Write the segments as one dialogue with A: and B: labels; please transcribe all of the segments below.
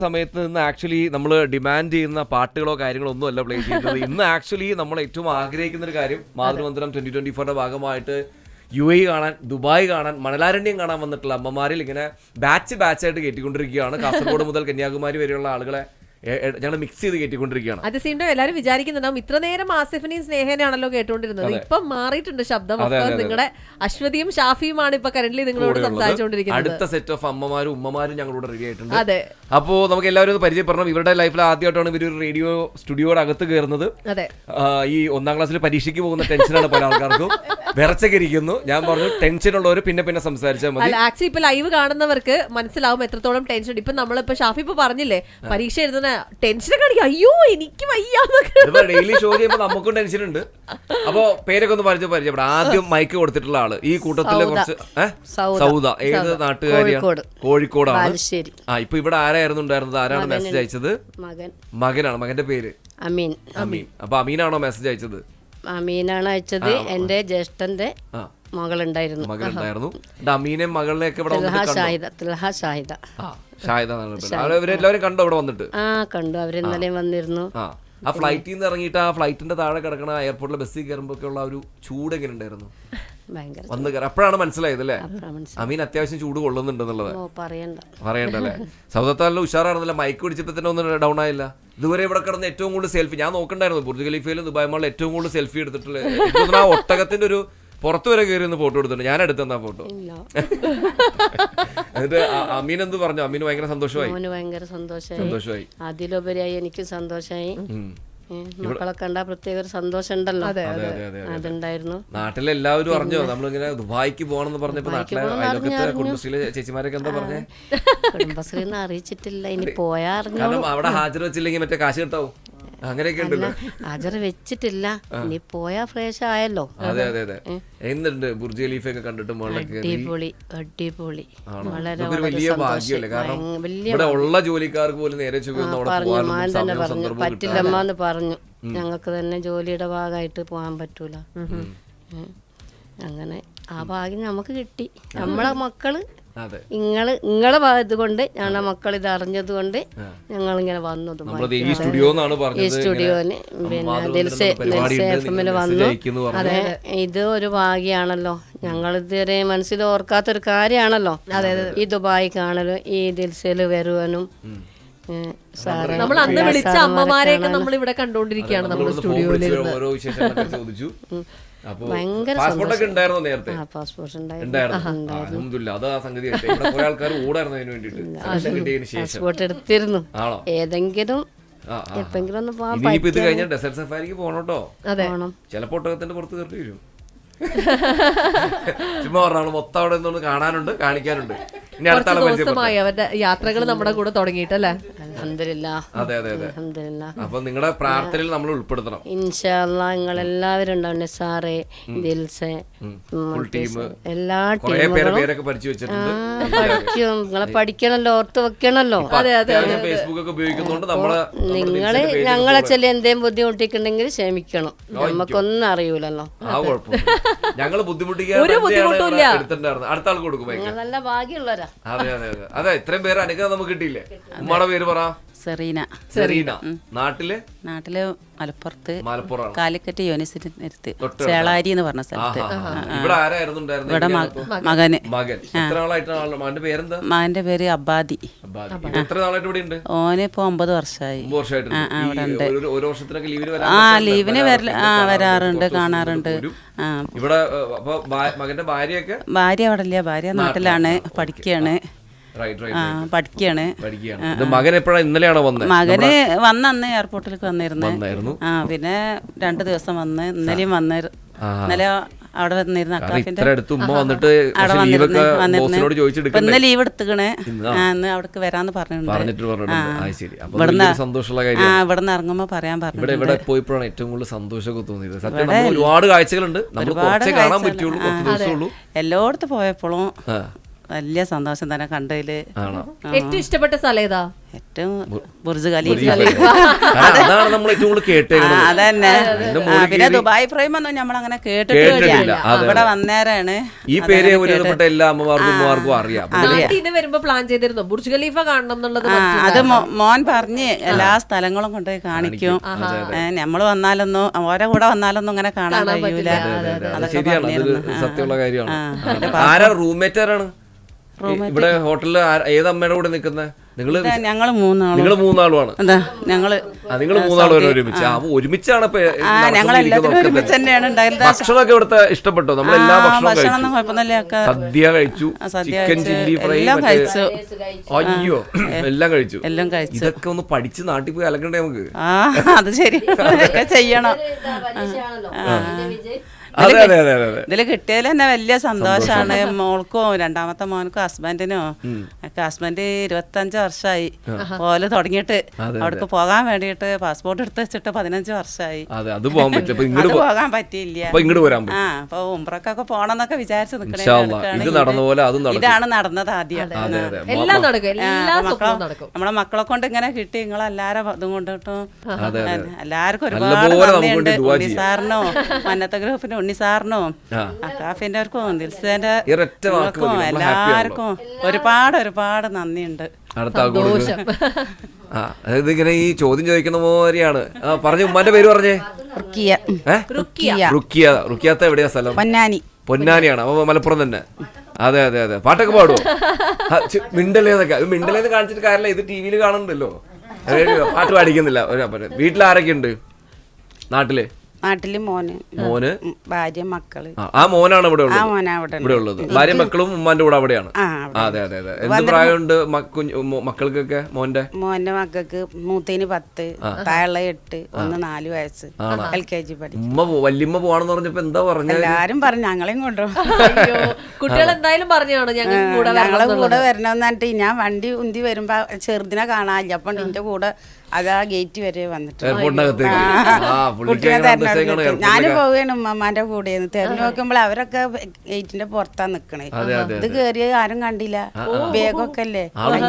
A: സമയത്ത് നിന്ന് ആക്ച്വലി നമ്മൾ ഡിമാൻഡ് ചെയ്യുന്ന പാട്ടുകളോ കാര്യങ്ങളോ ഒന്നും അല്ല പ്ലേ ചെയ്യുന്നത്. ഇന്ന് ആക്ച്വലി നമ്മൾ ഏറ്റവും ആഗ്രഹിക്കുന്ന ഒരു കാര്യം മാതൃമന്ത്രം 2024 ഭാഗമായിട്ട് UAE കാണാൻ, ദുബായ് കാണാൻ, മണലാരണ്യം കാണാൻ വന്നിട്ടുള്ള അമ്മമാരിൽ ഇങ്ങനെ ബാച്ചായിട്ട് കയറ്റിക്കൊണ്ടിരിക്കുകയാണ്. കാസർഗോഡ് മുതൽ കന്യാകുമാരി വരെയുള്ള ആളുകളെ ഞങ്ങൾ മിക്സ് ചെയ്ത് കയറ്റിക്കൊണ്ടിരിക്കുകയാണ്.
B: അത് സെയിം ടൈം എല്ലാവരും വിചാരിക്കുന്നുണ്ടാവും ഇത്ര നേരം ആസിഫിനെയും സ്നേഹനെയാണല്ലോ കേട്ടോണ്ടിരുന്നത്. ഇപ്പൊ മാറിയിട്ടുണ്ട് ശബ്ദം. നിങ്ങളുടെ അശ്വതിയും ഷാഫിയുമാണ് ഇപ്പൊ കറന്റ്ലി നിങ്ങളോട് സംസാരിച്ചുകൊണ്ടിരിക്കുന്നത്.
A: അടുത്ത സെറ്റ് ഓഫ് അമ്മമാരും ഉമ്മമാരും ഞങ്ങളോട് റെഡി ആയിട്ടുണ്ട്.
B: അതെ,
A: അപ്പോ നമുക്ക് എല്ലാവരും ഒന്ന് പരിചയപ്പെടണം. ഇവരുടെ ലൈഫിൽ ആദ്യമായിട്ടാണ് ഇവർ റേഡിയോ സ്റ്റുഡിയോയുടെ അകത്ത് കയറുന്നത്.
B: അതെ,
A: ഈ 1ാം ക്ലാസ്സിൽ പരീക്ഷയ്ക്ക് പോകുന്ന ടെൻഷനാണ് പല ആൾക്കാർക്കും. വിറച്ചൊക്കെ ഇരിക്കുന്നു. ഞാൻ പറഞ്ഞു ടെൻഷൻ ഉള്ളവർ പിന്നെ സംസാരിച്ചാൽ മതി.
B: ആക്ച്വലി ഇപ്പൊ ലൈവ് കാണുന്നവർക്ക് മനസ്സിലാവും എത്രത്തോളം ടെൻഷൻ. ഇപ്പൊ നമ്മളിപ്പോ ഷാഫി ഇപ്പൊ പറഞ്ഞില്ലേ, പരീക്ഷ എഴുതുന്ന ടെൻഷൻ കാണിക്കും, അയ്യോ എനിക്ക് വയ്യാന്നൊക്കെ.
A: ഡെയിലി ഷോ ചെയ്യുമ്പോൾ നമുക്കും ടെൻഷൻ ഉണ്ട്. അപ്പൊ പേരൊക്കെ ഒന്ന് പരിചയപ്പെടാം. ആദ്യം മൈക്ക് കൊടുത്തിട്ടുള്ള ആള് ഈ കൂട്ടത്തില് കുറച്ച് സൗദ. ഏത് നാട്ടുകാരിയാണ്? കോഴിക്കോടാണ്. ഇപ്പൊ ഇവിടെ ആരായിരുന്നു ഉണ്ടായിരുന്നത്? ആരാണ് മെസ്സേജ് അയച്ചത്? മകനാണ്. മകന്റെ പേര്
C: അമീൻ.
A: അപ്പൊ അമീനാണോ മെസ്സേജ് അയച്ചത്?
C: അമീനാണ് അയച്ചത്. എന്റെ ജ്യേഷ്ഠന്റെ മകളുണ്ടായിരുന്നു.
A: അമീനെയും മകളിനെയൊക്കെ ഇവരെല്ലാവരും കണ്ടോ ഇവിടെ വന്നിട്ട്?
C: കണ്ടു. അവരിന്നലെ വന്നിരുന്നു.
A: ആ ഫ്ലൈറ്റിൽ നിന്ന് ഇറങ്ങിയിട്ട് ആ ഫ്ലൈറ്റിന്റെ താഴെ കിടക്കണ എയർപോർട്ടിലെ ബസ്സിൽ കയറുമ്പോ ഒക്കെ ഉള്ള ഒരു ചൂട് എങ്ങനെ ഉണ്ടായിരുന്നു? വന്ന് കയറി അപ്പോഴാണ് മനസ്സിലായത് അല്ലേ അമീൻ അത്യാവശ്യം ചൂട് കൊള്ളുന്നുണ്ടെന്നുള്ളത്. പറയണ്ടല്ലേ? സൗദത്താലിന്റെ ഉഷാറാണെന്നല്ല. മൈക്ക് പിടിച്ചപ്പോ തന്നെ ഒന്നും ഡൗൺ ആയില്ല. ഇതുവരെ ഇവിടെ കിടന്ന് ഏറ്റവും കൂടുതൽ സെൽഫി ഞാൻ നോക്കണ്ടായിരുന്നു. ബുർജ് ഖലീഫയിലും ദുബായ് മാളിലും ഏറ്റവും കൂടുതൽ സെൽഫി എടുത്തിട്ടുള്ളത് ആ ഒട്ടകത്തിന്റെ ഒരു പുറത്തു വരെ കയറി ഒന്ന് ഫോട്ടോ എടുത്തിട്ടുണ്ട്. ഞാൻ എടുത്തെന്നാ ഫോട്ടോ. എന്നിട്ട് അമീൻ എന്ത് പറഞ്ഞു? അമീന് ഭയങ്കര സന്തോഷമായി.
C: അതിലുപരിയായി എനിക്ക് സന്തോഷമായി. മക്കളെ കണ്ടാ പ്രത്യേക ഒരു സന്തോഷം ഉണ്ടല്ലോ, അതുണ്ടായിരുന്നു.
A: നാട്ടിലെല്ലാവരും അറിഞ്ഞോ നമ്മളിങ്ങനെ ദുബായിക്ക് പോകണമെന്ന് പറഞ്ഞപ്പോ? നാട്ടിലെ അയൽവക്കത്തെ കുടുംബശ്രീയിലെ ചേച്ചിമാരൊക്കെ എന്താ പറഞ്ഞേ?
C: കുടുംബശ്രീ ഒന്നും അറിയിച്ചിട്ടില്ല. ഇനി പോയാ അറിഞ്ഞു.
A: കാരണം അവിടെ ഹാജർ വെച്ചില്ലെങ്കിൽ മറ്റേ കാശ് കിട്ടാവും. അങ്ങനെയൊക്കെ ഉണ്ടല്ലോ.
C: ഹാജർ വെച്ചിട്ടില്ല. ഇനി പോയാ ഫ്രഷ് ആയല്ലോ.
A: അതെ. എന്തുണ്ട് ബുർജ് ഖലീഫയൊക്കെ കണ്ടിട്ട്?
C: അടിപൊളി.
A: വലിയ ഭാഗ്യമല്ലേ? കാരണം ഇവിടെ ഉള്ള ജോലിക്കാർക്ക് പോലും നേരെ
C: പറഞ്ഞു പറ്റില്ലമ്മന്ന് പറഞ്ഞു. ഞങ്ങൾക്ക് തന്നെ ജോലിയുടെ ഭാഗമായിട്ട് പോകാൻ പറ്റൂല. അങ്ങനെ ആ ഭാഗ്യം നമുക്ക് കിട്ടി. നമ്മളെ മക്കള് നിങ്ങളെ ഭാഗത്ത് കൊണ്ട് ഞങ്ങളുടെ മക്കൾ ഇത് അറിഞ്ഞത് കൊണ്ട് ഞങ്ങൾ ഇങ്ങനെ വന്നു. ഈ സ്റ്റുഡിയോന് പിന്നെ വന്നു. അതെ, ഇത് ഒരു ഭാഗ്യാണല്ലോ. ഞങ്ങൾ ഇതുവരെ മനസ്സിൽ ഓർക്കാത്തൊരു കാര്യമാണല്ലോ ഈ ദുബായ് കാണലും ഈ ദിൽസയില് വരുവാനും.
B: നമ്മൾ അന്ന് വിളിച്ച അമ്മമാരെയൊക്കെ നമ്മൾ ഇവിടെ കണ്ടുകൊണ്ടിരിക്കുകയാണ്. നമ്മുടെ സ്റ്റുഡിയോയിൽ
A: പാസ്പോർട്ടൊക്കെ ഉണ്ടായിരുന്നു നേരത്തെ?
C: പാസ്പോർട്ട് പാസ്പോർട്ട് എടുത്തിരുന്നു. ഏതെങ്കിലും എപ്പെങ്കിലും ഒന്ന് പോകാൻ
A: ഡെസേർട്ട് സഫാരിക്ക് പോണോട്ടോ. ചിലപ്പോ ഒട്ടകത്തിന്റെ പുറത്ത് കയറി വരും. ചുമ്മാ പറഞ്ഞാൽ മൊത്തം അവിടെ നിന്നൊന്ന് കാണാനുണ്ട്, കാണിക്കാനുണ്ട്. ഇനി അടുത്ത
B: ദിവസമായി അവരുടെ യാത്രകൾ നമ്മുടെ കൂടെ തുടങ്ങിയിട്ടല്ലേ?
A: അതെ. അപ്പൊ നിങ്ങളുടെ പ്രാർത്ഥനയിൽ നമ്മൾ ഉൾപ്പെടുത്തണം
C: ഇൻഷാ അല്ലാഹ്. നിങ്ങളെല്ലാവരും ഉണ്ടാവും. സാറേ, ദിൽസെ, എല്ലാ
A: പേരൊക്കെ പഠിച്ചു വെച്ചിട്ടുണ്ട്.
C: പഠിക്കും. നിങ്ങളെ പഠിക്കണല്ലോ, ഓർത്ത് വെക്കണല്ലോ.
A: ഫേസ്ബുക്ക് ഒക്കെ ഉപയോഗിക്കുന്നതുകൊണ്ട്
C: നിങ്ങള് ഞങ്ങളെ ചില എന്തേലും ബുദ്ധിമുട്ടിക്കുന്നുണ്ടെങ്കിൽ ക്ഷമിക്കണം. നമുക്കൊന്നും അറിയൂലല്ലോ.
A: ഞങ്ങള് ബുദ്ധിമുട്ടിക്കാൻ അടുത്ത ആൾക്ക് കൊടുക്കും.
C: നല്ല ഭാഗ്യമുള്ളവരാ.
A: അതെ, ഇത്രയും പേര് അനുഗ്രഹം നമുക്ക് കിട്ടിയില്ലേ? ഉമ്മയുടെ പേര് പറ. സെറീന. നാട്ടില്
D: മലപ്പുറത്ത് കാലിക്കറ്റ് യൂണിവേഴ്സിറ്റി ചേളാരി എന്ന് പറഞ്ഞ സ്ഥലത്ത്.
A: ഇവിടെ ആരായിരുന്നു?
D: ഇവിടെ മകൻ.
A: എത്ര നാളായിട്ടാണ്? മകന്റെ പേരെന്താ?
D: മകന്റെ പേര് അബ്ബാദി.
A: എത്ര നാളായിട്ട് ഇവിടെ ഉണ്ട്?
D: ഓന് ഇപ്പൊ 9 വർഷമായി.
A: ഒരു വർഷത്തിനൊക്കെ
D: ലീവിന് വരാറുണ്ട്, കാണാറുണ്ട്.
A: ഇവിടെ മകന്റെ ഭാര്യ
D: അവിടെ ഇല്ല. ഭാര്യ നാട്ടിലാണ്, പഠിക്കുകയാണ്.
A: മകൻ എപ്പോഴാണ്? ഇന്നലെയാണോ വന്നത്?
D: മകന് അന്ന് എയർപോർട്ടിലേക്ക് വന്നിരുന്നു. പിന്നെ 2 ദിവസം വന്ന്, ഇന്നലെയും വന്ന്. ഇന്നലെ അവിടെ വന്നിരുന്നു. ഇന്ന് ലീവ് എടുത്തുകണ്. ഇന്ന് അവിടേക്ക് വരാന്ന് പറഞ്ഞിട്ടുണ്ട്. ഇവിടുന്ന് ഇറങ്ങുമ്പോ പറയാൻ പറഞ്ഞു.
A: ഇവിടെ പോയപ്പോഴാണ് ഏറ്റവും കൂടുതൽ സന്തോഷമൊക്കെ തോന്നിയത്. സത്യം ഒരുപാട് കാഴ്ചകളുണ്ട്.
D: എല്ലായിടത്തും പോയപ്പോഴും വലിയ സന്തോഷം തന്നെ കണ്ടതില്.
B: ഏറ്റവും ഇഷ്ടപ്പെട്ട സ്ഥലം ഏതാ?
D: ഏറ്റവും ബുർജ് ഖലീഫ.
A: അതാണ് നമ്മൾ ഏറ്റവും കൂടുതൽ കേട്ടേക്കുന്നത്.
D: അതന്നെ. പിന്നെ ദുബായ് പ്രൈം ഒന്നും നമ്മളങ്ങനെ കേട്ടിട്ടില്ല. അവിടെ വന്നേരാണ്
A: ഈ പേര് ഒരുവിധപ്പെട്ട എല്ലാ അമ്മമാർക്കും ഉമ്മമാർക്കും അറിയാം.
B: നാട്ടിൽ വരുമ്പോ പ്ലാൻ ചെയ്തിരുന്നു ബുർജ് ഖലീഫ കാണണം എന്നുള്ളത്?
D: അത് മോൻ പറഞ്ഞ് എല്ലാ സ്ഥലങ്ങളും കൊണ്ടുപോയി കാണിക്കും. നമ്മള് വന്നാലൊന്നും ഓരോ കൂടെ വന്നാലൊന്നും അങ്ങനെ കാണാൻ കഴിയൂല.
A: ശരിയാണ്, അതൊരു സത്യമുള്ള കാര്യമാണ്. ആരാ റൂംമേറ്റ്? ആരാണ് ഇവിടെ ഹോട്ടലിൽ ഏത് അമ്മയുടെ കൂടെ നിൽക്കുന്നത്?
D: ഞങ്ങള്
A: മൂന്നാളുമാണ്. നിങ്ങൾ മൂന്നാളും ഒരുമിച്ച് ഒരുമിച്ചാണ്. ഭക്ഷണമൊക്കെ ഇവിടുത്തെ ഇഷ്ടപ്പെട്ടോ? നമ്മൾ എല്ലാ ഭക്ഷണവും കഴിച്ചു. സദ്യ കഴിച്ചു, ചിക്കൻ ചില്ലി ഫ്രൈ കഴിച്ചു. അയ്യോ, എല്ലാം കഴിച്ചു. ഇതൊക്കെ ഒന്ന് പഠിച്ച് നാട്ടിൽ പോയി അലക്കണ്ടേ നമുക്ക്?
D: അത് ശരി, ചെയ്യണം. ഇതില് കിട്ടിയതിൽ തന്നെ വലിയ സന്തോഷാണ്. മോൾക്കും രണ്ടാമത്തെ മോനക്കും ഹസ്ബൻഡിനും ഒക്കെ. ഹസ്ബൻഡ് 25 വർഷമായി പോലെ തുടങ്ങിയിട്ട്. അവിടേക്ക് പോകാൻ വേണ്ടിയിട്ട് പാസ്പോർട്ട് എടുത്ത് വെച്ചിട്ട് 15 വർഷമായി. പോകാൻ പറ്റിയില്ല. അപ്പൊ ഉംറക്കൊക്കെ പോണെന്നൊക്കെ വിചാരിച്ചു നിൽക്കണേ. ഇതാണ് നടന്നത് ആദ്യം. നമ്മളെ മക്കളെ കൊണ്ട് ഇങ്ങനെ കിട്ടി. നിങ്ങളെല്ലാരും ഇതും കൊണ്ടിട്ടും എല്ലാവർക്കും ഒരുപാട് നന്ദിയുണ്ട്. ഉണ്ണി സാറിനോ, മന്നത്തെ ഗ്രൂപ്പിനും, ഉണ്ണി സാറിനും, അക്കാഫിന്റെ ദിൽസേന്റെ എല്ലാവർക്കും ഒരുപാട് നന്ദിയുണ്ട്.
A: ഇങ്ങനെ ഈ ചോദ്യം ചോദിക്കുന്ന പോലെയാണ്. പറഞ്ഞു, ഉമ്മാന്റെ പേര് പറഞ്ഞേ. റുക്കിയാത്ത എവിടെയാ സ്ഥലം? പൊന്നാനിയാണ്. അപ്പൊ മലപ്പുറം തന്നെ. അതെ. പാട്ടൊക്കെ പാടുവോ? മിണ്ടലേന്നൊക്കെ. മിണ്ടലേന്ന് കാണിച്ചിട്ട് കാര്യമില്ല, ഇത് ടി വിയിൽ കാണുന്നുണ്ടല്ലോ. പാട്ട് പാടിക്കുന്നില്ല. വീട്ടിൽ ആരൊക്കെ ഉണ്ട്? നാട്ടില് മോന്,
C: ഭാര്യ, മക്കള്.
A: ആ മോനാണ് ഇവിടെ ഉള്ളത്. ഭാര്യ മക്കളും ഉമ്മാന്റെ കൂടെ അവിടെയാണ്. അതെ. എന്ത് പ്രായമുണ്ട് മക്കൾക്കൊക്കെ? മോന്റെ
C: മക്കൾക്ക് മൂത്തേന് 10, താഴെ 8, 4 വയസ്സ്, LKG പഠിക്കും.
A: വല്യമ്മ പോവാണെന്ന് പറഞ്ഞപ്പോ എന്താ പറഞ്ഞ?
C: എല്ലാരും പറഞ്ഞു ഞങ്ങളെയും കൊണ്ടുപോകും.
B: കുട്ടികൾ എന്തായാലും പറഞ്ഞാണ് ഞങ്ങളെ
C: കൂടെ വരണമെന്ന് പറഞ്ഞിട്ട് ഞാൻ വണ്ടി ഉന്തി വരുമ്പോ ചെറുതിനെ കാണാനില്ല. അപ്പൊ എന്റെ കൂടെ അതാ ഗേറ്റ് വരെ വന്നിട്ട് ഞാന് പോവുകയാണ് ഉമ്മമാന്റെ കൂടെ. തെരഞ്ഞു നോക്കുമ്പോൾ അവരൊക്കെ ഗേറ്റിന്റെ പുറത്താ നിക്കണേ. ഇത് കേറിയ ആരും കണ്ടില്ല. ബാഗൊക്കെ അല്ലേ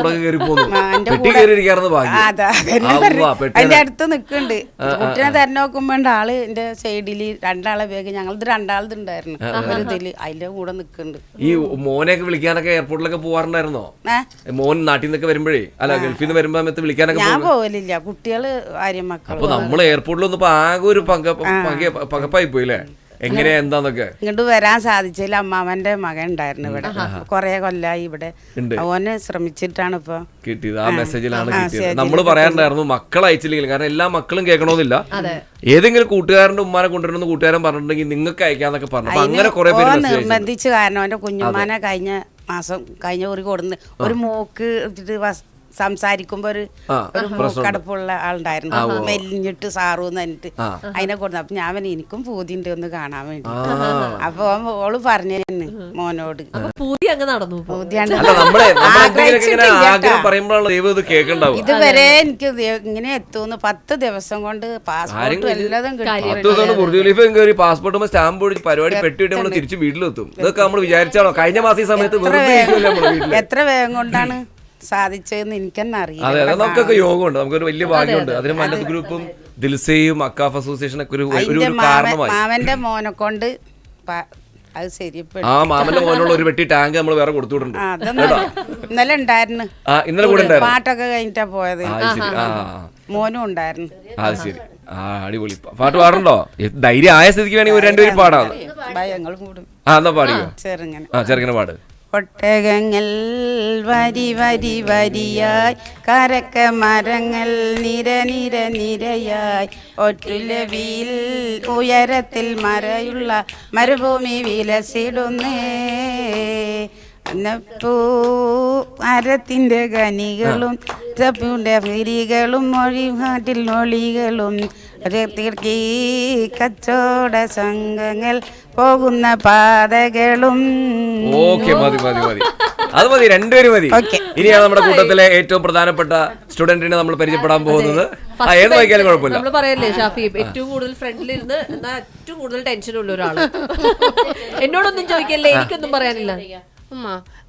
C: അതിന്റെ അടുത്ത് നിക്കണ്ട്. കുട്ടിനെ തെരഞ്ഞു നോക്കുമ്പോ ആള് എന്റെ സൈഡില് രണ്ടാളെ ബാഗ്. ഞങ്ങളത് രണ്ടാളത് ഉണ്ടായിരുന്നു ഒരു ഇതില്. അതിന്റെ കൂടെ നിക്കണ്ട്.
A: ഈ മോനെയൊക്കെ വിളിക്കാനൊക്കെ എയർപോർട്ടിലൊക്കെ പോവാറുണ്ടായിരുന്നോ? മോൻ നാട്ടിൽ നിന്നൊക്കെ വരുമ്പോഴേ, അല്ല ഗൾഫിൽ നിന്ന് വരുമ്പോ വിളിക്കാനൊക്കെ?
C: ഞാൻ പോവലില്ല, കുട്ടികള് ഭാര്യ മക്കൾ.
A: അപ്പൊ നമ്മള് എയർപോർട്ടിൽ വന്നപ്പോ ആകെ ഒരു പകപ്പായി പോയില്ലേ? എങ്ങനെയാ എന്താന്നൊക്കെ?
C: ഇങ്ങോട്ട് വരാൻ സാധിച്ചില്ല. അമ്മാവന്റെ മകൻ ഉണ്ടായിരുന്നു ഇവിടെ, കൊറേ കൊല്ലായി ഇവിടെ. ഓന് ശ്രമിച്ചിട്ടാണ് ഇപ്പൊ
A: കിട്ടിയത്. ആ മെസ്സേജിലാണ് കിട്ടിയത്. നമ്മള് പറയാറുണ്ടായിരുന്നു മക്കൾ അയച്ചില്ലെങ്കിൽ, കാരണം എല്ലാ മക്കളും കേൾക്കണമെന്നില്ല. ഏതെങ്കിലും കൂട്ടുകാരന്റെ ഉമ്മാനെ കൊണ്ടുവരുന്ന കൂട്ടുകാരൻ പറഞ്ഞിട്ടുണ്ടെങ്കിൽ നിങ്ങൾക്ക് അയക്കാന്നൊക്കെ പറഞ്ഞു. അങ്ങനെ കുറെ പേര്
C: നിർബന്ധിച്ചു. കാരണം അവന്റെ കുഞ്ഞുമാനെ കഴിഞ്ഞ ഒരു കൊടുന്ന് ഒരു മൂക്ക് സംസാരിക്കുമ്പോ ഒരു മൂക്കടപ്പുള്ള ആളുണ്ടായിരുന്നു, മെലിഞ്ഞിട്ട് സാറൂന്ന് പറഞ്ഞിട്ട്. അതിനെ കൊടുത്തു. അപ്പൊ ഞാൻ എനിക്കും പൂതിണ്ട് ഒന്ന് കാണാൻ വേണ്ടി. അപ്പൊ ഓള് പറഞ്ഞു മോനോട്. ഇതുവരെ എനിക്ക് ഇങ്ങനെ എത്തുന്നു. 10 ദിവസം കൊണ്ട് പാസ്പോർട്ട് എല്ലാതും
A: പാസ്പോർട്ട് സ്റ്റാമ്പ് പരിപാടി പെട്ടിട്ട് നമ്മൾ തിരിച്ച് വീട്ടിലെത്തും. ഇതൊക്കെ നമ്മൾ വിചാരിച്ചാണോ? കഴിഞ്ഞ മാസം ഈ സമയത്ത്
C: എത്ര വേഗം കൊണ്ടാണ് സാധിച്ചതെന്ന് എനിക്കെന്നെ അറിയാം.
A: അതെ, നമുക്കൊക്കെ യോഗമുണ്ട്, നമുക്കൊരു വലിയ ഭാഗ്യമുണ്ട്. അതിന് മന്നത്ത് ഗ്രൂപ്പും ദിൽസയും അക്കാഫ് അസോസിയേഷനൊക്കെ ഒരു കാരണമായി.
C: മാമന്റെ മോനെ കൊണ്ട് അത് ശരിയപ്പെട്ടു.
A: ആ മാമന്റെ മോനുള്ള ഒരു വെട്ടി ടാങ്ക് നമ്മൾ വേറെ കൊടുത്തുവിട്ടുണ്ട്.
C: ഇന്നലെ ഉണ്ടായിരുന്നു.
A: ഇന്നലെ കൂടെ
C: പാട്ടൊക്കെ കഴിഞ്ഞിട്ടാ പോയത്. മോനും ഉണ്ടായിരുന്നു.
A: അത് ശരി. അടിപൊളി. പാട്ട് പാടുണ്ടോ? ധൈര്യം ആയ സ്ഥിതിക്ക് വേണമെങ്കിൽ ഒരു രണ്ടുപേരും പാടാം.
C: ഞങ്ങളും കൂടും.
A: എന്നാ പാടിയോ? ചെറുങ്ങനെ പാട്.
C: ഒട്ടകങ്ങൾ വരി വരി വരിയായി, കരക്ക മരങ്ങൾ നിര നിര നിരയായി, ഒറ്റുലവിയിൽ ഉയരത്തിൽ മറയുള്ള മരുഭൂമി വിലസിടുന്നേ. അന്നപ്പൂ മരത്തിൻ്റെ ഖനികളും ചപ്പുടെ വിരികളും മൊഴികാട്ടിൽ നൊളികളും കച്ചവട സംഘങ്ങൾ പോകുന്ന പാതകളും.
A: ഓക്കെ, മതി. അത് മതി, രണ്ടുപേരും മതി. ഇനിയാണ് നമ്മുടെ കൂട്ടത്തിലെ ഏറ്റവും പ്രധാനപ്പെട്ട സ്റ്റുഡന്റിനെ നമ്മൾ പരിചയപ്പെടാൻ പോകുന്നത്. ഏത് വായിക്കാനും കുഴപ്പമില്ല.
B: നമ്മൾ പറയല്ലേ ഷാഫി, ഏറ്റവും കൂടുതൽ ഫ്രണ്ടിലിരുന്ന് എന്നാൽ ഏറ്റവും കൂടുതൽ ടെൻഷൻ ഉള്ള ഒരാള്. എന്നോടൊന്നും ചോദിക്കല്ലേ, എനിക്കൊന്നും പറയാനില്ല.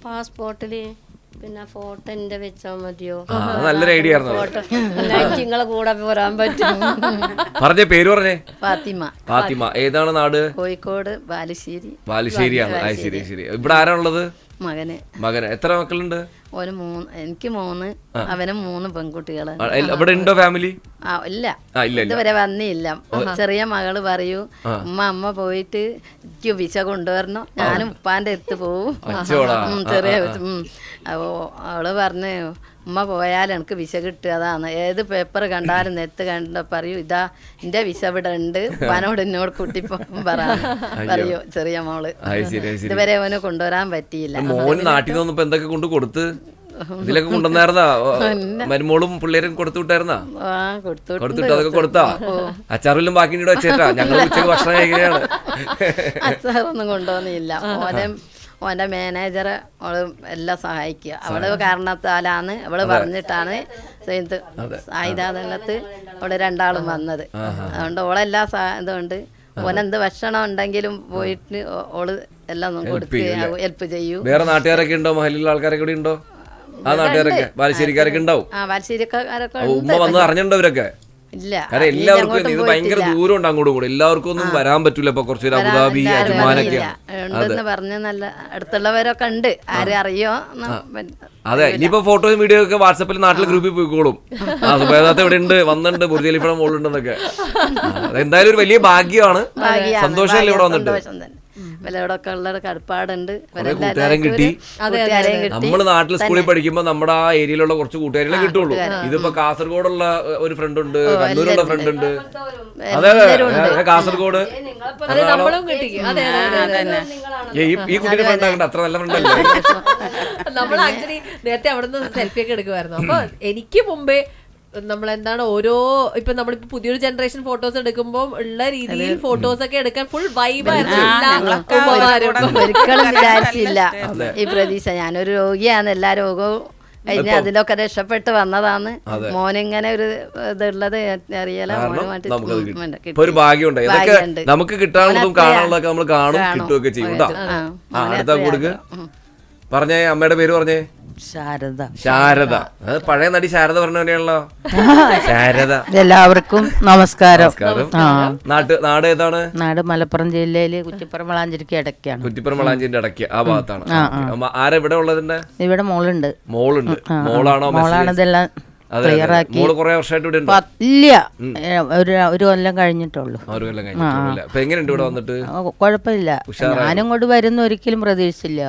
E: പാസ്പോർട്ടില് പിന്നെ ഫോട്ടോ എന്റെ വെച്ചാ മതിയോ?
A: നല്ലൊരു ഐഡിയ ആയിരുന്നു.
E: നിങ്ങളെ കൂടെ വരാൻ പറ്റും.
A: പറഞ്ഞേ, പേര് പറഞ്ഞേ.
E: ഫാത്തിമ.
A: ഏതാണ് നാട്?
E: കോഴിക്കോട് ബാലുശ്ശേരി.
A: ബാലുശ്ശേരിയാണ്. ശരി ശരി. ഇവിടെ ആരാണുള്ളത്?
E: മകന്.
A: എത്ര മക്കളുണ്ട്?
E: എനിക്ക് 3, അവന് 3 പെൺകുട്ടികള്.
A: ഇവിടെ ഉണ്ടോ ഫാമിലി?
E: ഇല്ല, ഇതുവരെ വന്നില്ല. ചെറിയ മകള് പറയൂ, അമ്മ പോയിട്ട് എനിക്ക് വിസ കൊണ്ടുവരണം, ഞാനും ഉപ്പാന്റെ അടുത്ത് പോവും. ചെറിയ അപ്പോ അവള് പറഞ്ഞു, ഉമ്മ പോയാൽ എനിക്ക് വിസ കിട്ടുക, അതാണ് ഏത് പേപ്പർ കണ്ടാലും നെത്ത് കണ്ട പറയൂ, ഇതാ എന്റെ വിസ ഇവിടെ ഉണ്ട്, ഉപ്പാനോട് എന്നോട് കുട്ടിപ്പോ പറയൂ ചെറിയ മോള്. ഇതുവരെ അവന് കൊണ്ടുവരാൻ പറ്റിയില്ല.
A: മോന് നാട്ടിൽ നിന്ന് വന്നപ്പോ എന്തൊക്കെ കൊണ്ട് കൊടുത്ത്? ഇതിലൊക്കെ കൊണ്ടുവന്നായിരുന്നാ? മരുമോളും പിള്ളേരും കൊടുത്തു വിട്ടായിരുന്നാ? കൊടുത്തിട്ട് അതൊക്കെ കൊടുത്താ? അച്ചാറെല്ലാം ബാക്കി വെച്ചേട്ടാ, ഞങ്ങൾ ഉച്ചക്ക് ഭക്ഷണം കഴിക്കുകയാണ്.
E: അച്ചാറൊന്നും കൊണ്ടുവന്നില്ല. ഓന്റെ മാനേജറെ അവള് എല്ലാം സഹായിക്കുക. അവള് കാരണത്താലാണ്, അവള് പറഞ്ഞിട്ടാണ് സായുധാനത്ത് അവള് 2 വന്നത്. അതുകൊണ്ട് ഓളെല്ലാം ഇതുകൊണ്ട് ഓനെന്ത് ഭക്ഷണം ഉണ്ടെങ്കിലും പോയിട്ട് ഓള് എല്ലാം കൊടുക്കുക, ഹെൽപ്പ് ചെയ്യൂ.
A: വേറെ നാട്ടുകാരൊക്കെ ഉണ്ടോ? മഹലിലുള്ള ആൾക്കാരൊക്കെ കൂടി ഉണ്ടോ? ആ നാട്ടുകാരൊക്കെ ബാലുശ്ശേരിക്കാരൊക്കെ ഉണ്ടാവും.
E: ബാലുശ്ശേരിക്കാരൊക്കെ
A: ഉമ്മ വന്ന് അറിഞ്ഞിട്ടുണ്ടോ ഇവരൊക്കെ?
E: ഇല്ല,
A: കാരണം എല്ലാവർക്കും ഇത് ഭയങ്കര ദൂരം ഉണ്ട് അങ്ങോട്ടും കൂടെ, എല്ലാവർക്കും ഒന്നും വരാൻ പറ്റൂല. ഇപ്പൊ കുറച്ച് അബുദാബി, അജ്മാനൊക്കെ
E: പറഞ്ഞ നല്ല അടുത്തുള്ളവരൊക്കെ ഉണ്ട്, ആരും അറിയോ?
A: അതെ, ഇനിയിപ്പോ ഫോട്ടോയും വീഡിയോ ഒക്കെ വാട്സാപ്പിൽ നാട്ടിലെ ഗ്രൂപ്പിൽ പോയിക്കോളും. സുബൈദാത്ത ഇവിടെ ഉണ്ട്, വന്നിട്ടുണ്ട്, ബുർജ് ഖലീഫയുടെ മോളുണ്ടെന്നൊക്കെ. എന്തായാലും ഒരു വലിയ ഭാഗ്യമാണ്, സന്തോഷമല്ലേ ഇവിടെ വന്നിട്ട്.
E: ഇവരോടൊക്കെ ഉള്ള കടപ്പാടുണ്ട്.
A: കൂട്ടുകാരൻ കിട്ടി. നമ്മള് നാട്ടിൽ സ്കൂളിൽ പഠിക്കുമ്പോ നമ്മുടെ ആ ഏരിയയിലുള്ള കുറച്ച് കൂട്ടുകാരെ കിട്ടുള്ളൂ. ഇതിപ്പോ കാസർഗോഡുള്ള ഒരു ഫ്രണ്ട് ഉണ്ട്, കണ്ണൂരുള്ള ഫ്രണ്ട് ഉണ്ട്. അതെ അതെ, കാസർഗോഡ്. ഈ കുട്ടിയുടെ ഫ്രണ്ട് ആകണ്ട, അത്ര നല്ല ഫ്രണ്ട് അല്ലേ?
B: നമ്മൾ ആക്ച്വലി നേരത്തെ അവിടെ നിന്ന് സെൽഫി ഒക്കെ എടുക്കുമായിരുന്നു. അപ്പൊ എനിക്ക് മുമ്പേ നമ്മളെന്താണ് ഇപ്പൊ നമ്മളിപ്പോ പുതിയൊരു ജനറേഷൻ ഫോട്ടോസ് എടുക്കുമ്പോൾ ഉള്ള രീതിയിൽ ഫോട്ടോസ് ഒക്കെ എടുക്കാൻ ഫുൾ വൈബായിരുന്നു.
E: ഒരിക്കലും വിചാരിച്ചില്ല ഈ പ്രതീക്ഷ. ഞാനൊരു രോഗിയാണ്, എല്ലാ രോഗവും കഴിഞ്ഞ് അതിലൊക്കെ രക്ഷപ്പെട്ട് വന്നതാണ്. മോനിങ്ങനെ ഒരു ഇതുള്ളത് അറിയാല.
A: ഒരു ഭാഗ്യമുണ്ട്, നമുക്ക് കിട്ടാനുള്ളതും കാണാനുള്ളതൊക്കെ നമ്മൾ കാണും, കിട്ടുകയൊക്കെ ചെയ്യും. അടുത്ത കൊടുക്ക്. പറഞ്ഞേ, അമ്മയുടെ പേര് പറഞ്ഞേ. ശാരദ. അത് പഴയ നടി ശാരദ പറഞ്ഞല്ലോ. ശാരദ.
F: എല്ലാവർക്കും നമസ്കാരം.
A: നാട് ഏതാണ്?
F: നാട് മലപ്പുറം ജില്ലയില് കുറ്റിപ്പുറം വളാഞ്ചേരിക്ക് ഇടയ്ക്കാണ്.
A: കുറ്റിപ്പുറം വളാഞ്ചേരിന്റെ ഇടയ്ക്ക് ആ ഭാഗത്താണ്. ആരാ ഇവിടെ ഉള്ളതിന്റെ?
F: ഇവിടെ മോളുണ്ട്.
A: മോളാണോ?
F: മോളാണ് ഇതെല്ലാം ക്ലിയറാക്കി. ഇല്ല, ഒരു കൊല്ലം കഴിഞ്ഞിട്ടുള്ളൂ.
A: എങ്ങനെയുണ്ട് ഇവിടെ വന്നിട്ട്?
F: കുഴപ്പമില്ല. ഞാനും ഇങ്ങോട്ട് വരുന്ന ഒരിക്കലും പ്രതീക്ഷിച്ചില്ല.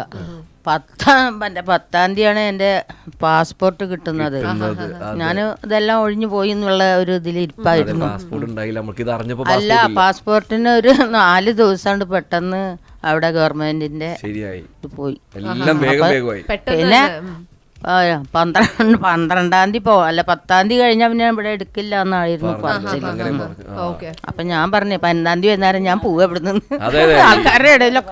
F: 10-ാം തീയതിയാണ് എൻ്റെ പാസ്പോർട്ട് കിട്ടുന്നത്. ഞാൻ ഇതെല്ലാം ഒഴിഞ്ഞു പോയി എന്നുള്ള ഒരു ഇതിൽ ഇരിപ്പായിരുന്നു. അല്ല, പാസ്പോർട്ടിന് ഒരു 4 ദിവസം പെട്ടെന്ന് അവിടെ ഗവൺമെന്റിന്റെ പോയി. പിന്നെ 12-ാം തീയതി അല്ല 10-ാം തീയതി കഴിഞ്ഞാൽ പിന്നെ ഇവിടെ എടുക്കില്ല എന്നായിരുന്നു പറഞ്ഞത്. അപ്പൊ ഞാൻ പറഞ്ഞു 15-ാം തീയതി വൈകുന്നേരം ഞാൻ പോവുക ഇവിടെ നിന്ന്. ആൾക്കാരുടെ ഇടയിലൊക്കെ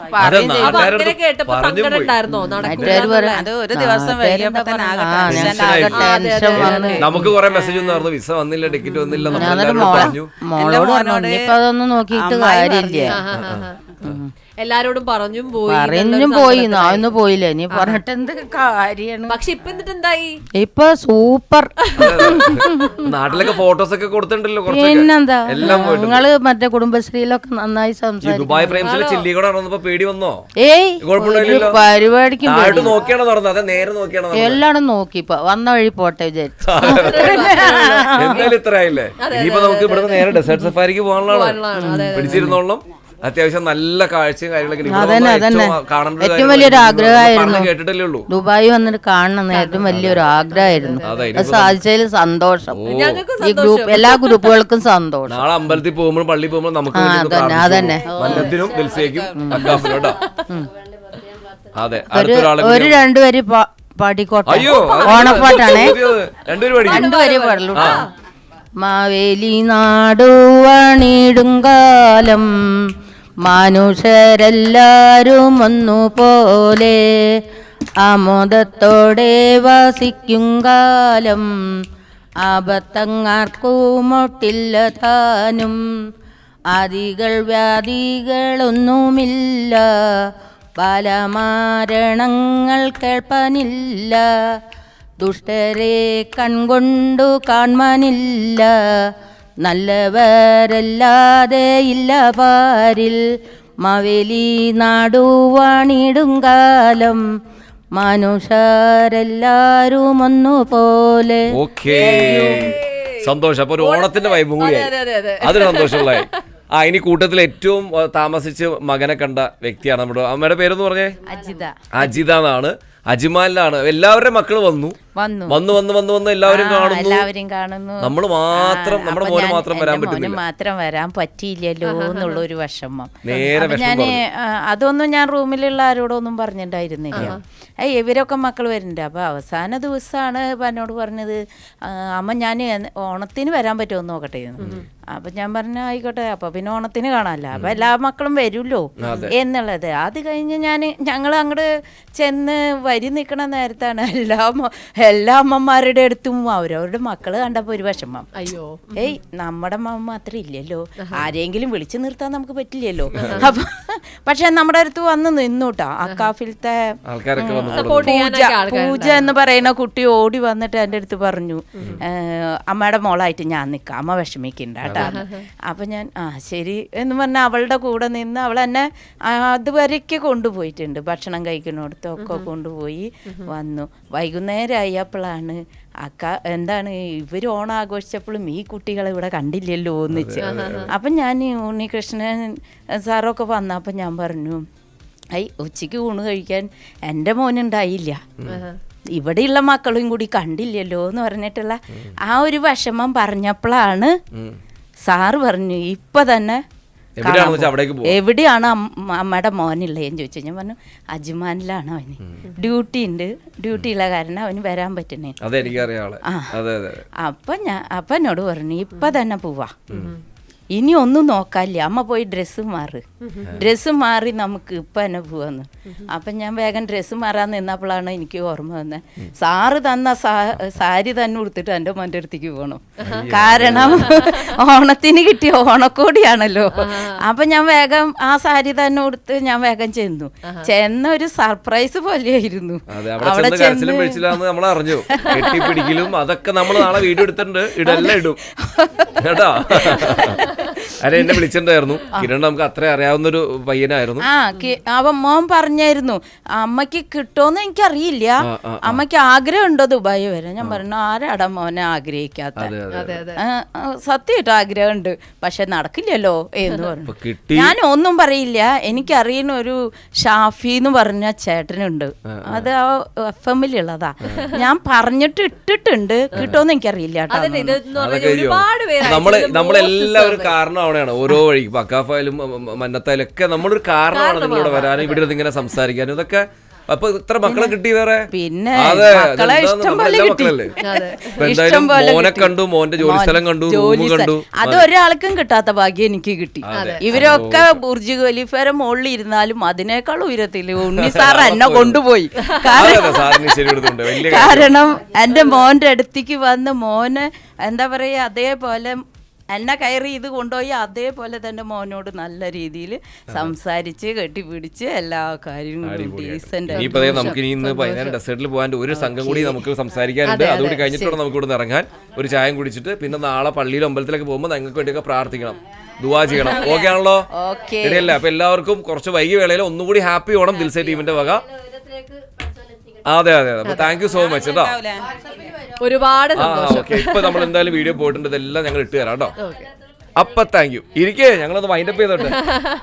A: നമുക്ക് കുറെ മെസ്സേജ് ഒന്നും വിസ വന്നില്ല, ടിക്കറ്റ് വന്നില്ല.
F: മോളോട് പറഞ്ഞു ഇനിയിപ്പോ അതൊന്നും നോക്കിയിട്ട് കാര്യമില്ല.
B: എല്ലാരോടും പറഞ്ഞും
F: പോയി നാന്ന് പോയില്ല, ഇനി പറഞ്ഞിട്ട് എന്ത് കാര്യമാണ്.
B: പക്ഷെ ഇപ്പൊ എന്നിട്ട് എന്തായി?
F: ഇപ്പൊ സൂപ്പർ.
A: നാട്ടിലൊക്കെ ഫോട്ടോസ് ഒക്കെ കൊടുത്തിട്ടുണ്ടല്ലോ.
F: പിന്നെന്താ, നിങ്ങള് മറ്റേ കുടുംബശ്രീയിലൊക്കെ നന്നായി സംസാരിക്കും.
A: പേടി വന്നോ?
F: ഏയ്, പരിപാടിക്ക് എല്ലാടും നോക്കി ഇപ്പൊ വന്ന വഴി പോട്ടെ വിചാരിച്ചു.
A: എന്തായാലും ഇത്ര ആയില്ലേ? ഇനിയിപ്പോ നമുക്ക് ഇവിടെ നേരെ ഡെസേർട്ട് സഫാരിക്ക് പോകാനുള്ളതാണ്. പിടിച്ചിരുന്നോളം. അത്യാവശ്യം നല്ല കാഴ്ചയും കാര്യങ്ങളൊക്കെ
F: ഏറ്റവും വലിയൊരു ആഗ്രഹമായിരുന്നു.
A: കേട്ടിട്ടല്ലേ ഉള്ളൂ,
F: ദുബായി വന്നിട്ട് കാണണം ഏറ്റവും വലിയൊരു ആഗ്രഹമായിരുന്നു. സാധിച്ചതിൽ സന്തോഷം. ഈ ഗ്രൂപ്പ് എല്ലാ ഗ്രൂപ്പുകൾക്കും സന്തോഷം.
A: നാളെ അമ്പലത്തിൽ പോകുമ്പോൾ പള്ളി പോകുമ്പോൾ നമുക്ക്
F: അതന്നെ
A: അതെ
F: ഒരു 2 വരി പാടിക്കോട്ടെ. ഓണപ്പാട്ടാണേ, 2 വരി പാടുള്ളൂ. മാവേലി നാടുവാണിടുങ്കാലം മനുഷ്യരെല്ലാരും ഒന്നുപോലെ ആമോദത്തോടെ വസിക്കും കാലം ആപത്തങ്ങാർക്കുമൊട്ടില്ല താനും ആദികൾ വ്യാധികളൊന്നുമില്ല ബാലമാരണങ്ങൾ കേൾപ്പാനില്ല, ദുഷ്ടരെ കൺകൊണ്ടു കാൺമാനില്ല, നല്ലവരല്ലാതെ ഇല്ല പാരിൽ, മാവേലി നാടുവാണിടും കാലം, മനുഷ്യരെല്ലാരും ഒന്നുപോലെ.
A: ഓക്കേ, സന്തോഷം. അപ്പൊ ഒരു ഓണത്തിന്റെ വൈബും കൂടി അതൊരു സന്തോഷമുള്ളതായി. ഇനി കൂട്ടത്തിൽ ഏറ്റവും താമസിച്ച് മകനെ കണ്ട വ്യക്തിയാണ് നമ്മുടെ അമ്മയുടെ പേരെന്ന് പറഞ്ഞേ? അജിത എന്നാണ്. അജ്മാനിലാണ്. എല്ലാവരുടെയും മക്കള് വന്നു എല്ലാവരും കാണുന്നു. നമ്മള് മാത്രം, നമ്മുടെ മോന് മാത്രം വരാൻ പറ്റുന്നില്ല.
F: മാത്രം വരാൻ പറ്റിയില്ലല്ലോ എന്നുള്ള ഒരു വിഷമം. ഞാന് അതൊന്നും ഞാൻ റൂമിലുള്ള ആരോടൊന്നും പറഞ്ഞിട്ടുണ്ടായിരുന്നില്ല. ഇവരൊക്കെ മക്കൾ വരുന്നുണ്ട്. അപ്പൊ അവസാന ദിവസമാണ് എന്നോട് പറഞ്ഞത്, അമ്മ ഞാൻ ഓണത്തിന് വരാൻ പറ്റുമോ നോക്കട്ടെ. അപ്പൊ ഞാൻ പറഞ്ഞു ആയിക്കോട്ടെ, അപ്പൊ പിന്നെ ഓണത്തിന് കാണാമല്ലോ, അപ്പൊ എല്ലാ മക്കളും വരുമല്ലോ എന്നുള്ളത്. അത് കഴിഞ്ഞ് ഞങ്ങൾ അങ്ങോട്ട് ചെന്ന് വരി നിൽക്കണ നേരത്താണ് എല്ലാ അമ്മമാരുടെ അടുത്തും അവരവരുടെ മക്കള് കണ്ടപ്പോ ഒരു വിഷമം.
B: അയ്യോ,
F: നമ്മുടെ അമ്മ മാത്രം ഇല്ലല്ലോ, ആരെങ്കിലും വിളിച്ചു നിർത്താൻ നമുക്ക് പറ്റില്ലല്ലോ. അപ്പൊ പക്ഷെ നമ്മുടെ അടുത്ത് വന്ന് നിന്നൂട്ടാ. അക്കാഫിലത്തെ പൂജ എന്ന് പറയുന്ന കുട്ടി ഓടി വന്നിട്ട് എൻ്റെ അടുത്ത് പറഞ്ഞു, അമ്മയുടെ മോളായിട്ട് ഞാൻ നിൽക്കാം, അമ്മ വിഷമിക്കണ്ട കേട്ടോ. അപ്പൊ ഞാൻ ശരി എന്ന് പറഞ്ഞ അവളുടെ കൂടെ നിന്ന് അവൾ എന്നെ അതുവരയ്ക്ക് കൊണ്ടുപോയിട്ടുണ്ട്. ഭക്ഷണം കഴിക്കുന്നിടത്തൊക്കെ കൊണ്ടുപോയി വന്നു. വൈകുന്നേരമായി അപ്പോഴാണ് എന്താണ് ഇവർ ഓണം ആഘോഷിച്ചപ്പോഴും ഈ കുട്ടികളെ ഇവിടെ കണ്ടില്ലല്ലോ ഒന്നിച്ച്. അപ്പം ഞാൻ ഉണ്ണികൃഷ്ണൻ സാറൊക്കെ വന്നപ്പോൾ ഞാൻ പറഞ്ഞു, ഉച്ചയ്ക്ക് ഊണ് കഴിക്കാൻ എൻ്റെ മോനുണ്ടായില്ല, ഇവിടെയുള്ള മക്കളും കൂടി കണ്ടില്ലല്ലോ എന്ന് പറഞ്ഞിട്ടുള്ള ആ ഒരു വിഷമം പറഞ്ഞപ്പോഴാണ് സാറ് പറഞ്ഞു ഇപ്പൊ തന്നെ എവിടെയാണ് അമ്മയുടെ മോനുള്ളതെന്ന് ചോദിച്ചു. ഞാൻ പറഞ്ഞു അജ്മാനിലാണ്, അവന് ഡ്യൂട്ടി ഉണ്ട്, ഡ്യൂട്ടിയുള്ള കാരണം അവന് വരാൻ പറ്റുന്നേ. അപ്പൊ എന്നോട് പറഞ്ഞു ഇപ്പൊ തന്നെ പോവാ, ഇനി ഒന്നും നോക്കാല്ല, അമ്മ പോയി ഡ്രസ്സ് മാറി നമുക്ക് ഇപ്പൊ തന്നെ പോവാന്ന്. അപ്പൊ ഞാൻ വേഗം ഡ്രസ്സ് മാറാൻ നിന്നപ്പോഴാണ് എനിക്ക് ഓർമ്മ വന്നത്, സാറ് തന്ന സാരി തന്നെ ഉടുത്തിട്ട് എൻ്റെ മോൻ്റെ അടുത്തേക്ക് പോകണം. കാരണം ഓണത്തിന് കിട്ടിയ ഓണക്കോടിയാണല്ലോ. അപ്പൊ ഞാൻ വേഗം ആ സാരി തന്നെ ഉടുത്ത് ഞാൻ വേഗം ചെന്ന ഒരു സർപ്രൈസ് പോലെയായിരുന്നു.
A: അവിടെ അറിഞ്ഞു കെട്ടിപ്പിടിക്കലും അതൊക്കെ നമ്മൾ നാളെ വീഡിയോ എടുത്തിട്ടുണ്ട്, ഇതെല്ലാം ഇടും കേട്ടോ. അല്ല, എന്നെ വിളിച്ചിട്ടുണ്ടായിരുന്നു കിരൺ, നമുക്ക് അത്ര അറിയാവുന്നൊരു പയ്യനായിരുന്നു.
F: അവൻ മോൻ പറഞ്ഞായിരുന്നു അമ്മക്ക് കിട്ടുമെന്ന് എനിക്കറിയില്ല, അമ്മക്ക് ആഗ്രഹം ഉണ്ടോ ദുബായി വരാൻ. ഞാൻ പറഞ്ഞു ആരാടാ മോനെ ആഗ്രഹിക്കാത്ത, സത്യമായിട്ട് ആഗ്രഹമുണ്ട് പക്ഷെ നടക്കില്ലല്ലോ എന്ന് പറഞ്ഞു. ഞാൻ ഒന്നും പറയില്ല. എനിക്കറിയുന്ന ഒരു ഷാഫി എന്ന് പറഞ്ഞ ചേട്ടനുണ്ട്, അത് ആ FM-ലുള്ളതാ. ഞാൻ പറഞ്ഞിട്ട് ഇട്ടിട്ടുണ്ട്, കിട്ടുമെന്ന് എനിക്കറിയില്ല കേട്ടോ.
A: നമ്മളെല്ലാവരും കാരണമാണ് ഓരോ വഴി അക്കാഫായാലും മന്നത്തായാലും ഒക്കെ നമ്മളൊരു കാരണമാണ് നിങ്ങളിവിടെ വരാനും ഇവിടെ ഇങ്ങനെ സംസാരിക്കാനും. ഇതൊക്കെ അപ്പൊ ഇത്ര മക്കളെ കിട്ടി വേറെ?
F: പിന്നെ
A: മോനെ കണ്ടു, മോന്റെ ജോലി സ്ഥലം കണ്ടു, കണ്ടു.
F: അത് ഒരാൾക്കും കിട്ടാത്ത ഭാഗ്യം എനിക്ക് കിട്ടി. ഇവരൊക്കെ ബുർജ് ഖലീഫയുടെ മുകളിൽ ഇരുന്നാലും അതിനേക്കാൾ ഉയരത്തില് ഉണ്ണി സാർ എന്നെ കൊണ്ടുപോയി. കാരണം എന്റെ മോന്റെ അടുത്തേക്ക് വന്ന് മോന് എന്താ പറയാ അതേപോലെ എന്നെ കയറി ഇത് കൊണ്ടുപോയി അതേപോലെ തന്നെ മോനോട് നല്ല രീതിയിൽ സംസാരിച്ച് കെട്ടിപ്പിടിച്ച് എല്ലാ കാര്യങ്ങളും ഡീസന്റ്.
A: നമുക്ക് ഇന്ന് ഡെസേർട്ടിൽ പോകാൻ ഒരു സംഘം കൂടി നമുക്ക് സംസാരിക്കാനുണ്ട്. അതുകൂടി കഴിഞ്ഞിട്ട് നമുക്ക് ഇവിടെ ഇറങ്ങാൻ ഒരു ചായം കുടിച്ചിട്ട് പിന്നെ നാളെ പള്ളിയിലും അമ്പലത്തിലൊക്കെ പോകുമ്പോൾ ഞങ്ങൾക്ക് വേണ്ടിയൊക്കെ പ്രാർത്ഥിക്കണം, ദുആ ചെയ്യണം. ഓക്കെ ആണല്ലോ? ശരിയല്ലേ? അപ്പൊ എല്ലാവർക്കും കുറച്ച് വൈകി വേളയിൽ ഒന്നുകൂടി ഹാപ്പി ഓണം ദിൽസേ ടീമിന്റെ വക. അതെ അപ്പൊ താങ്ക് യു സോ മച്ച് കേട്ടോ.
B: ഒരുപാട്
A: ഇപ്പൊ നമ്മൾ എന്തായാലും വീഡിയോ പോയിട്ടുണ്ട്, ഇതെല്ലാം ഞങ്ങൾ ഇട്ട് തരാം കേട്ടോ. അപ്പൊ താങ്ക് യു. ഇരിക്കേ, ഞങ്ങളൊന്ന് വൈൻഡപ്പ് ചെയ്തോട്ടെ.